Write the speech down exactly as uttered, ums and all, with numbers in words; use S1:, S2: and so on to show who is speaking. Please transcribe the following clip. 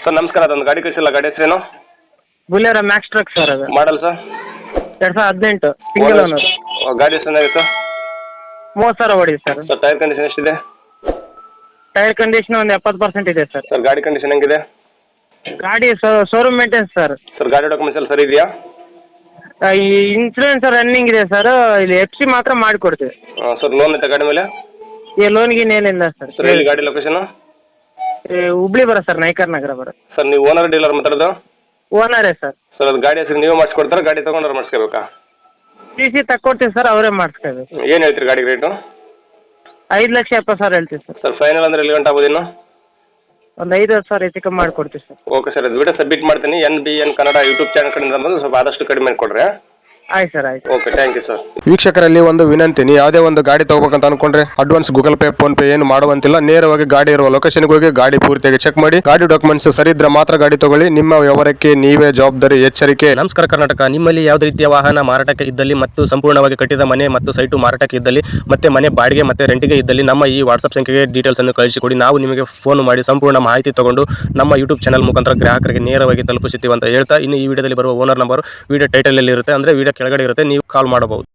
S1: Sir ನಮಸ್ಕಾರ, ಅದೊಂದು ಗಾಡಿ ಕಳಿಸಿಲ್ಲ, ಗಾಡಿ ಹೆಸರೇನು?
S2: ಬುಲೆರೋ ಮ್ಯಾಕ್ಸ್ ಟ್ರಕ್ ಸರ್ ಅದು.
S1: Model sir?
S2: ಎರಡು ಸಾವಿರದ ಹದಿನೆಂಟು ಸಿಂಗಲ್ ಓನರ್.
S1: ಗಾಡಿ ಎಷ್ಟು ಚೆನ್ನಾಗಿತ್ತು?
S2: ಮೂವತ್ತು ಸಾವಿರ ಹೊಡಿ ಸರ್.
S1: ಸರ್ ಟೈರ್ ಕಂಡೀಷನ್ ಎಷ್ಟಿದೆ?
S2: ಟೈರ್ ಕಂಡೀಷನ್ ಒಂದು ಎಪ್ಪತ್ತು ಪರ್ಸೆಂಟ್ ಇದೆ ಸರ್.
S1: ಸರ್ ಗಾಡಿ ಕಂಡೀಷನ್ ಹೆಂಗಿದೆ?
S2: ಗಾಡಿ ಶೋರೂಮ್ ಮೇಂಟೆನ್ಸ್ ಸರ್.
S1: ಸರ್ ಗಾಡಿ ಡಾಕ್ಯುಮೆಂಟ್ಸ್ ಎಲ್ಲ ಸರಿ ಇದೆಯಾ?
S2: ಈ ಇನ್ಸೂರೆನ್ಸ್ ರನ್ನಿಂಗ್ ಇದೆ ಸರ್. ಇಲ್ಲಿ ಎಫ್ ಸಿ ಮಾತ್ರ ಮಾಡಿಕೊಡ್ತೀವಿ.
S1: ಸರ್ ಲೋನ್ ಐತೆ ಗಾಡಿ ಮೇಲೆ?
S2: ಈ ಲೋನ್ ಗೀನ್ ಏನಿಲ್ಲ ಸರ್.
S1: ಸರ್ ಎಲ್ಲಿ ಗಾಡಿ ಲೊಕೇಶನ್?
S2: ಹುಬ್ಳಿ ಬರ ಸರ್, ನಾಯ್ಕರ್ ನಗರ ಬರ.
S1: ಸರ್ ನೀವು ಓನರ್ ಡೀಲರ್ ಮಾತಾಡೋದು?
S2: ಓನರೇ ಸರ್.
S1: ಸರ್ ಅದು ಗಾಡಿ ಹೆಸರು ನೀವೇ ಮಾಡಿಸ್ಕೊಡ್ತಾರೆ, ಗಾಡಿ ತೊಗೊಂಡ್ರೆ ಮಾಡಿಸ್ಕೋಬೇಕಾ?
S2: ಸಿ ಸಿ ತಕ್ಕೊಡ್ತೀವಿ ಸರ್, ಅವರೇ ಮಾಡಿಸ್ಕೋಬೇಕು.
S1: ಏನು ಹೇಳ್ತೀರಿ ಗಾಡಿ ರೇಟು?
S2: ಐದು ಲಕ್ಷ ಎಪ್ಪತ್ತು ಸಾವಿರ ಹೇಳ್ತೀವಿ ಸರ್.
S1: ಸರ್ ಫೈನಲ್ ಅಂದ್ರೆ ಎಲ್ಲಿ ಗಂಟೆ ಆಗ್ಬೋದು ಇನ್ನು?
S2: ಒಂದು ಐದು ಹತ್ತು ಸಾವಿರ ಹೆಚ್ಚು ಕಮ್ಮಿ ಮಾಡಿಕೊಡ್ತೀವಿ ಸರ್.
S1: ಓಕೆ ಸರ್, ಅದು ವಿಡಿಯೋ ಸಬ್ಮಿಟ್ ಮಾಡ್ತೀನಿ. N B N Kannada YouTube channel ಕಡೆಯಿಂದ ಬಂದು ಸ್ವಲ್ಪ ಆದಷ್ಟು ಕಡಿಮೆ ಕೊಡ್ರಿ.
S2: ಆಯ್ತು ಸರ್, ಆಯ್ತು.
S1: Okay, thank you sir.
S3: ವೀಕ್ಷಕರಲ್ಲಿ ಒಂದು ವಿನಂತಿ, ನೀವು ಯಾವುದೇ ಒಂದು ಗಾಡಿ ತಗೋಬೇಕಂತ ಅನ್ಕೊಂಡ್ರೆ advance Google Pay PhonePe ಏನು ಮಾಡುವಂತಿಲ್ಲ. ನೇರವಾಗಿ ಗಾಡಿ ಇರುವ ಲೊಕೇಶನ್ಗೆ ಹೋಗಿ ಗಾಡಿ ಪೂರ್ತಿಯಾಗಿ ಚೆಕ್ ಮಾಡಿ, ಗಾಡಿ ಡಾಕ್ಯುಮೆಂಟ್ಸ್ ಸರಿ ಇದ್ರೆ ಮಾತ್ರ ಗಾಡಿ ತಗೊಳ್ಳಿ. ನಿಮ್ಮ ವ್ಯವಹಾರಕ್ಕೆ ನೀವೇ ಜವಾಬ್ದಾರಿ. ಎಚ್ಚರಿಕೆ.
S4: ನಮಸ್ಕಾರ ಕರ್ನಾಟಕ. ನಿಮ್ಮಲ್ಲಿ ಯಾವುದೇ ರೀತಿಯ ವಾಹನ ಮಾರಾಟಕ್ಕೆ ಇದ್ದಲ್ಲಿ ಮತ್ತು ಸಂಪೂರ್ಣವಾಗಿ ಕಟ್ಟಿದ ಮನೆ ಮತ್ತು ಸೈಟು ಮಾರಾಟಕ್ಕೆ ಇದ್ದಲ್ಲಿ ಮತ್ತೆ ಮನೆ ಬಾಡಿಗೆ ಮತ್ತೆ ರೆಂಟಿಗೆ ಇದ್ದಲ್ಲಿ ನಮ್ಮ ಈ ವಾಟ್ಸ್ಆಪ್ ಸಂಖ್ಯೆಗೆ ಡೀಟೇಲ್ಸ್ ಅನ್ನು ಕಳಿಸಿಕೊಡಿ. ನಾವು ನಿಮಗೆ ಫೋನ್ ಮಾಡಿ ಸಂಪೂರ್ಣ ಮಾಹಿತಿ ತಗೊಂಡು ನಮ್ಮ ಯೂಟ್ಯೂಬ್ ಚಾನಲ್ ಮುಖಾಂತರ ಗ್ರಾಹಕರಿಗೆ ನೇರವಾಗಿ ತಲುಪಿಸುತ್ತೀವಿ ಅಂತ ಹೇಳ್ತಾ, ಇನ್ನು ಈ ವಿಡಿಯೋದಲ್ಲಿ ಬರುವ ಓನರ್ ನಂಬರ್ ವಿಡಿಯೋ ಟೈಟಲ್ ಅಲ್ಲಿ ಇರುತ್ತೆ, ಅಂದ್ರೆ ವಿಡಿಯೋ ಕೆಳಗಡೆ ಇರುತ್ತೆ, ನೀವು ಕಾಲ್ ಮಾಡಬಹುದು.